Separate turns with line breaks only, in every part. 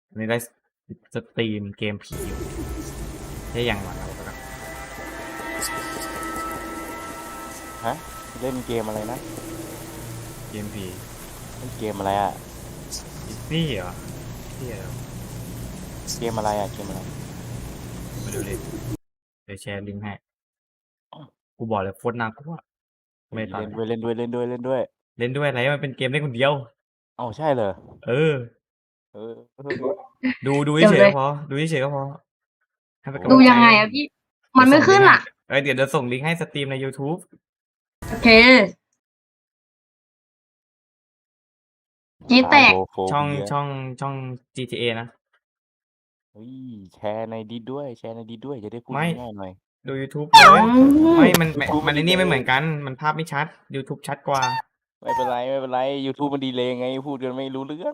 อันนี้ได้สตรีมเกมผีอยู่ได้อย่างหวังเราก็ได้
ฮะเล่นเกมอะไรนะ
เกมผี
เล่นเกมอะไรอ่ะ
นี่เหรอนี่เหรอ
เกมอะไรอ่ะเกมอะไร
มาดูดิเดี๋ยวแชร์ลิงก์ให้กูบอกเลยโคตรน่ากลัวไม่ตอน
เล่นด้วยเล่นด้วยเล่นด้วยเล่นด้วย
เล่นด้วยอะไรมันเป็นเกมเล่นคนเดียว
เอ้าใช่เหรอ
เออ
เออ
ดู
เดี๋ยว
เฉยๆ
เล
ก็
ย
พอดูเฉยๆก็พอให้เป็นกำลั
ดู
งใจ
ยังไงอะพี่ มันไม่ขึ้นอ่ะ
เดี๋ยวส่งลิงก์ให้สตรีมใน YouTube
โอเคจีแตก
ช่อง
เบีย
ช่อง GTA นะ
เฮ้ยแชร์ในดิสด้วยแชร์ในดิสด้วยจะได้พูด
ไม่
ง่ายๆหน่อย
ดู YouTube เลยไม่มัน
YouTube
มันไอ้นี่ไม่เหมือนกัน มันภาพไม่ชัด YouTube ชัดกว่า
ไม่เป็นไรไม่เป็นไร YouTube มันดีเลยไงพูดกันไม่รู้เรื่อง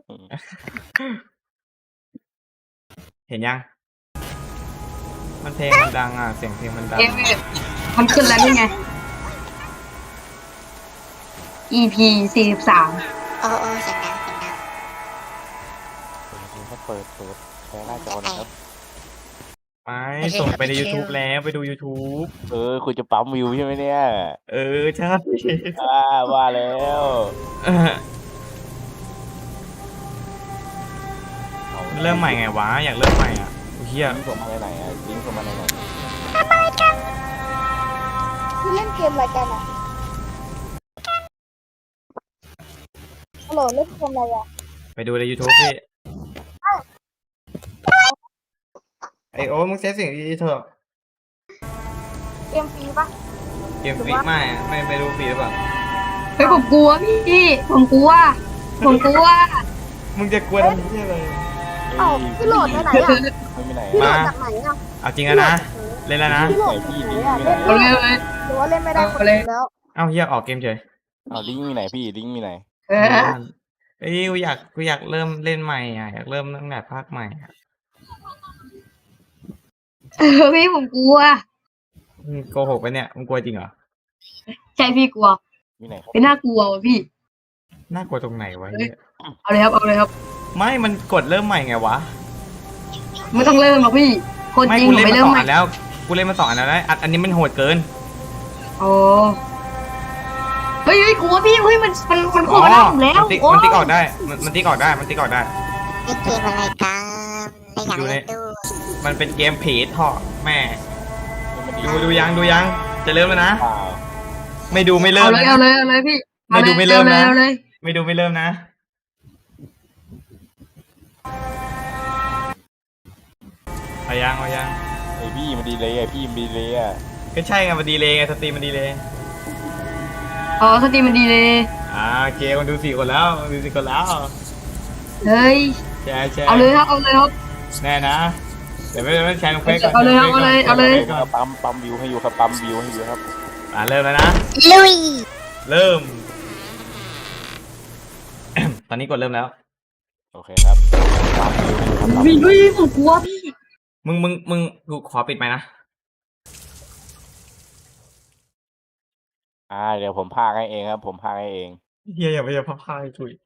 เห็นยัง มันเพลงมันดังอ่ะ เสียงเพลงมันดัง
เอฟมันขึ้นแล้วนี่ไง EP 43
โอ้เสียงดังเสียงดัง
เปิดแชร์หน้าจอหนะครับ
ไม่ส่งไปใน YouTube แล้วไปดู YouTube
คุณจะปั๊มวิวใช่ไหมเนี่ย
ใช่
ว่าแล้ว
เริ่มใหม่ไงวะ อยากเริ่มใหม่อ่ะเฮีย
ลิงก์ส่งมาไหนอ่ะลิงก์ส่งมาไหน
คุณเล่นเกมอะไรกันอ่ะฮัลโหลเล่นเกมอะไรอ่ะ
ไปดูใน YouTube พี่ไอโอ้มึงใช้เสียงดีๆเถอะ
เกมฟรีปะ
เกมฟรีไม่ไปดูฟรีหรือเปล่า
เฮ้ยผมกลัวพี่ ผมกลัว
มึงจะกลัวทำเหี้ยอะไร
เอ้าพี่โหลดไปไหนอ่ะ
ไม่มีไหน
พี่โหล
มา
ดจากไหนอ่ะ
เอาจริงอะนะ เล่นแล้วนะ
พี่โหลด
พี่
จากไหน
ลิงก์
อ่ะ
มีไหน
เอาเลย
หรือว่าเล่นไม่ได้คน
เอาเลย
เดียวแล้ว
เอ้าเฮียออกเกมเฉย
เอาลิงก์มีไหนพี่ลิงก์มีไหน
เออ
เอ้ยกูอยากเริ่มเล่นใหม่อ่ะอยากเริ่มตั้งแต่ภาคใหม่อะ
พี่ผมกลัว
มึงโกหกไปเนี่ยมึงกลัวจริงเหรอ
ใช่พี่กลัว
มีไหนครับ
เป็นน่ากลัวว่ะพี่
น่ากลัวตรงไหนวะเฮีย
เอาเลยครับ
ไม่มันกดเริ่มใหม่ไงวะ
ไม่ต้องเริ่มหรอกพี่ คนจริง
กู
ผม
เล่น
ไม่
มา
เริ่
ส
ม
อง
ใหม่
อันแล้วกูเล่นมาสองอันแล้วนะอันนี้มันโหดเกิน
โอ้เฮ้ยกลัวพี่เฮ้ยมันโคตรน่าผมแล้ว
มันติ๊กออกได้มันติ๊กออกได้มันติ๊กออกได้
เล่นเกมอะไรกันไม่อยากเล่นด้วย
มันเป็นเกมผีเถาะแม่
มัน
ดูยังจะเริ่มแล้วนะ
เปล่า
ไม่ดูไม่เริ่
เอา
ม
เลย
นะ
เอาเลยพี่
ไม่ดูไม่เริ่มนะ
เอาเลย
ไม่ดูไม่เริ่มนะเอายัง
ไอพี่มันดีเลยอ่ะพี่มันดีเลยอ่ะ
ก็ใช่ไงมันดีเลยไงสตรีมมันดีเลย
อ๋อสตรีมมันดีเลย
โอเคคนดู4 คนแล้วดู4 คนแล้ว
เฮ้ย
แชร์
เอาเลยครับ
แน่นะเดี๋ยวไม่แชร์ลงเฟซก่อน
เอาเลยครับเอาเลย
ก่อน
ปั๊มวิวให้อยู่ครับปั๊มวิวให้อยู่ครับ
เริ่มแล้วนะ
ลุย
เริ่ม ตอนนี้กดเริ่มแล้ว
โอเคครับปั๊มวิวให้อยู่ครับปั๊ม
พี่
วิว
ผมกลัวพี่
มึงกูขอปิดไหมค์นะ
เดี๋ยวผมพากให้เองครับผมพากให้เอง
เฮียอย่าไปพับผ้าให้ถุย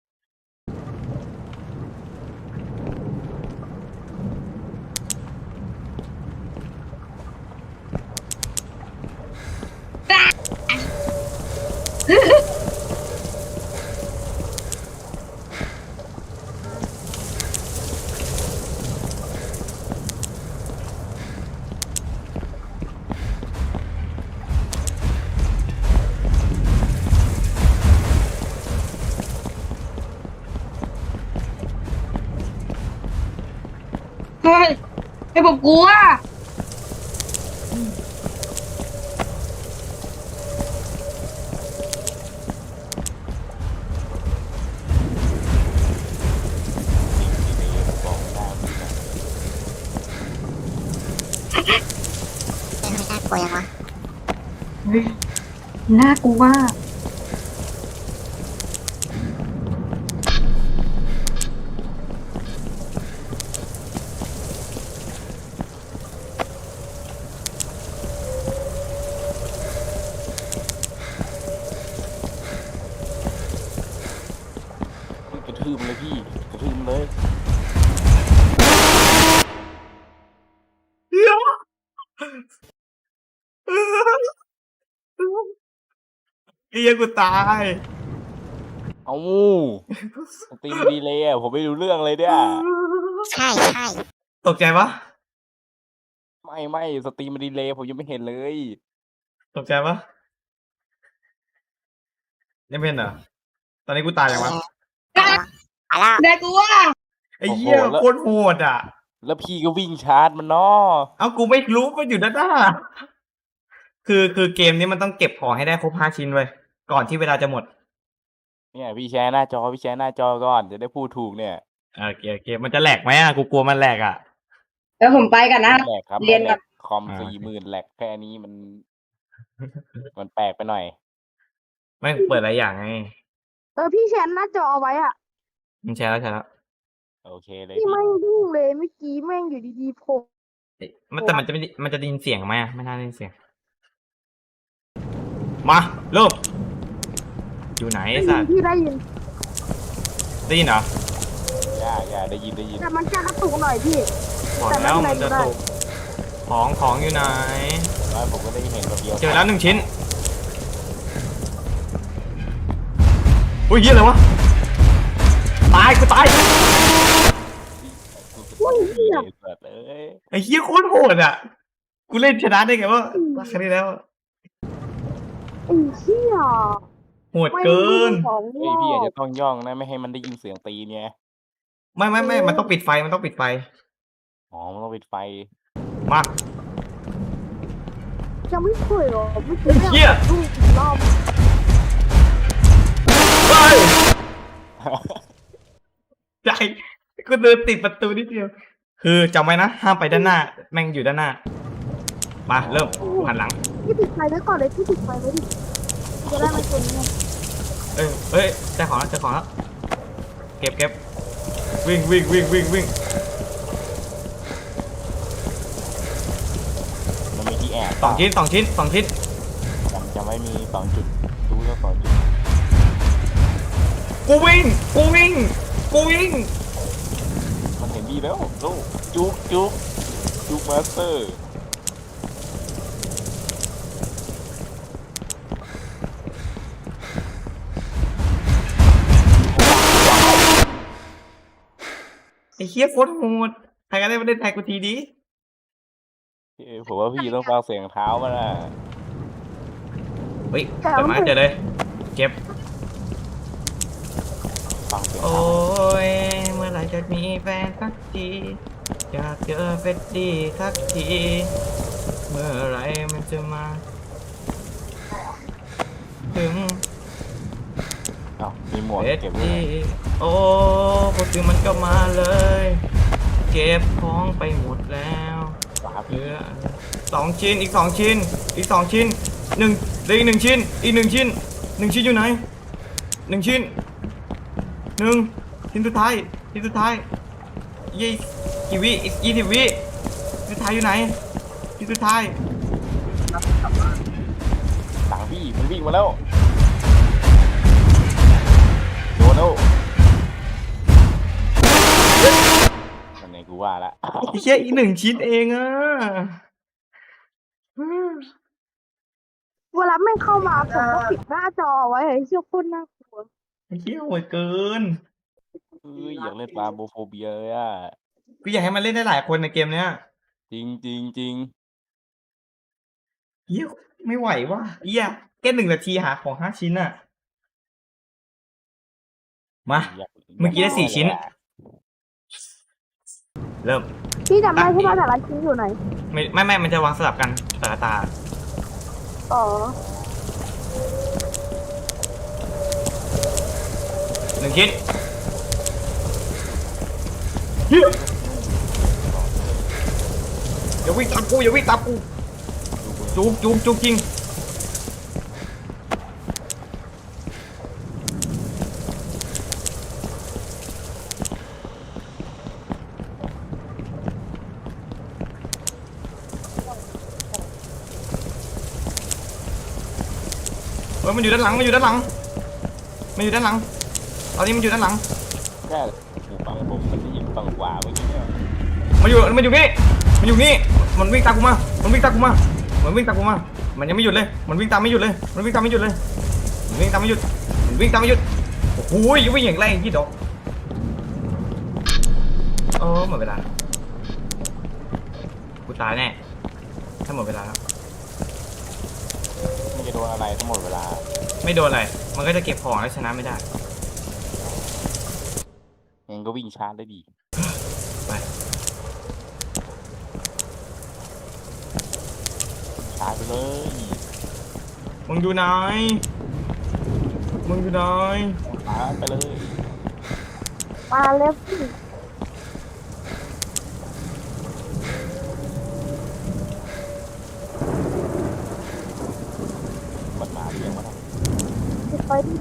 เฮ้ยให้ผมกลัว
บอกได้ไหมนะ
เล่นไม่น่ากลัวยังวะ
เฮ้ยน่ากลัว
กระทืบมันเลยพี่กระทืบมันเลย
ไอ้เหี้ยกูตาย
เอาสตรีมดีเลยอ่ะผมไม่รู้เรื่องเลยเนี่ย
ใช่ใช่
ตกใจปะ
ไม่สตรีมดีเลยผมยังไม่เห็นเลย
ตกใจปะยังเป็นเหรอตอนนี้กูตายยังวะ
ไปแล้ว
ได้กูว่า
ไอ้เหี้ยโคตรโหดอ่ะ
แล้วพี่ก็วิ่งชาร์จมันเนาะ
เอากูไม่รู้มันอยู่ด้านหน้าคือเกมนี้มันต้องเก็บของให้ได้ครบ5 ชิ้นไว้ยก่อนที่เวลาจะหมด
เนี่ยพี่แชร์หน้าจอก่อนจะได้พูดถูกเนี่ย
โอเคมันจะแหลกไหมอ่ะกูกลัวมันแหลกอ่ะ
แล้วผมไปกันนะ
แหลกครับ
เรียน
แหล
ก่อน
กคอม
อ่า
40,000แหลกแค่นี้มันแปลกไปหน่อย
ไม่เปิดหลายอย่างไง
พี่แชร์หน้าจอเอาไว้อ่ะ
มันแชร์แล้ว
โอเคเลย
พี่
พี่
ไม่ยุ่งเลยเมื่อกี้แม่งอยู่ดีๆโผล่
เอ๊ะแต่มันจะได้ยินเสียงไหมอ่ะไม่น่าได้ยินเสียง มาเริ่มอยู่ไหนไอ้สัตว์
พี่ได้ยิน
ได้ยินเหรอ
อย่าได้ยิน
แต่มันจะกระตุกหน่อยพี่
บอกแล้ว
แต่ไม่
มัน
เป็น
จะ
ไร
ตกของอยู่ไหน
แล้วผมก็ได้เห็นคนเดียว
เจอแล้ว1 ชิ้นอุ้ยเหี้ยอะไรวะตายกูตาย
อุ้ยเปิดเลย
ไอ้เหี้ยโคตรโหดอ่ะกูเล่นชนะได้ไงวะครั้งนี้แล้ว
ไอ้เชี่ย
โหดเกิน
ของ
เฮ้ยพี่อาจจะต้องย่องนะไม่ให้มันได้ยินเสียงตีเนี่ย
ไม่มันต้องปิดไฟมันต้องปิดไฟ
อ๋อมันต้องปิดไฟ
มา
ยังไม่เคยหรอไม่เคย
เหี้ย
ลูกอีกรอบ
ไปใจกูเดินติดประตูนิดเดียวคือจำไว้นะห้ามไปด้านหน้า แม่งอยู่ด้านหน้ามาเริ่มกูหันหลัง
พี่ติดไฟไว้ก่อนเลยพี่ติดไฟไว้ดิจะได้ไม่ชนเนี่ย
เอ้ยได้ของแล้วเก็บวิ่ง
มันมีที่แอบ
2 ชิ้น
จะไม่มี2 จุดรู้แล้ว2 จุด
กูวิ่ง
มันเห็นดีแล้วลูกจุกมาสเตอร์
ไอ้เหี้ยโคตรโหดใครก็ได้มาเล่นไทยกูทีดี
ผมว่าพี่ต้องฟังเสียงเท้ามันนะ
เฮ้ยเปิดมาเจอเลยเก็บ
ฟังเสียง
โอ้
เท้าย
เมื่อไหร่จะมีแฟนสักทีอยากเจอเฟดดี้สักทีเมื่อไหรมันจะมา ถึง
อ้าวมีหมวก
เฟด
เก็บไว้
ดี้โอ้พอถึงมันก็มาเลย เก็บของไปหมดแล้ว
ครับ
เหลือ2 ชิ้นอีก 2 ชิ้นอีก 2 ชิ้นเหลืออีก 1 ชิ้นอีก 1 ชิ้นอยู่ไหน1 ชิ้นชิ้นสุดท้ายยี่กี่วิอีก20 วิชิ้นสุดท้ายอยู่ไหนชิ้นสุดท้าย
หลังพี่มันวิ่งมาแล้วโดนแล้วนั่นไงกูว่าละ
ไอ้เชี่ยอีก 1 ชิ้นเองอ่ะ
เวลาแม่งเข้ามาผมก็ปิดหน้าจอเอาไว้ไอ้เชี่ยโคตรน่ากลัว
ไอ้เชี่ยโหดเกิน
อยากเล่นปลาโบโฟเบียเลยอ่ะ
กูอยากให้มันเล่นได้หลายคนในเกมเนี้ย
จริง
เฮียไม่ไหวว่ะเฮียแค่1 นาทีหาของ5 ชิ้นอ่ะมา
อยาก
เมื่อกี้ได้4 ชิ้น เริ่ม
พี่จำได้ใช่ป่ะแต่ละชิ้นอยู่ไหน
ไม่มันจะวางสลับกันแต่ละตา
อ๋อ
1 ชิ้นเหี้ยอย่าวิ่งตามกูจุกจริงเฮ้ยมันอยู่ด้านหลังตอนนี้มันอยู่ด้านหลัง
แค่หูฟังผมมันได้ยินฟังกว่าเมื่อกี้เนี่ย
มันอยู่นี่มันวิ่งตามกูมา มันวิ่งตามกูมา มันวิ่งตามกูมา มันยังไม่หยุดเลย มันวิ่งตามไม่หยุดเลย มันวิ่งตามไม่หยุดเลย มันวิ่งตามไม่หยุด มันวิ่งตามไม่หยุด โอ้โหวิ่งอย่างแรงยี่ดอกหมดเวลา กูตายแน่ ถ้าหมดเวลาแล้ว
มันจะโดนอะไรทั้งหมดเวลา
ไม่โดนอะไร มันก็จะเก็บของแล้วชนะไม่ได้
ยังก็วิ่งชาร์จได้ดี
ไป
ชาร์จไปเลย
มึงอยู่ไหน มึงอยู่ไหน
ชาร์จไปเลย
มาแล้วพี่
มันมาเรียงมาแล้ว
จะไปที่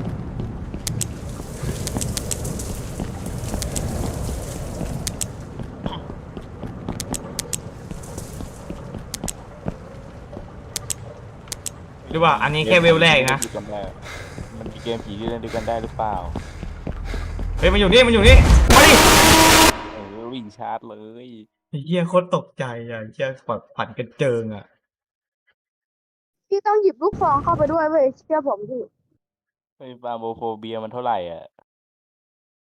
หรือว่าอันนี้แค่เวลแรกนะ
มันมีเกมผีที่เล่นด้วยกันได้หรือเปล่า
เฮ้ยมันอยู่นี่ มันอยู่นี่ มาดิ
วิ่งชาร์จเลย
ไอ้เหี้ยโคตรตกใจอ่ะไอ้เหี้ยแบบผันกระเจิงอ่ะ
พี่ต้องหยิบลูกซองเข้าไปด้วยเว้ยเชื่อผมพี่
ไอ้ฟาโมโฟเบียมันเท่าไหร่อ่ะ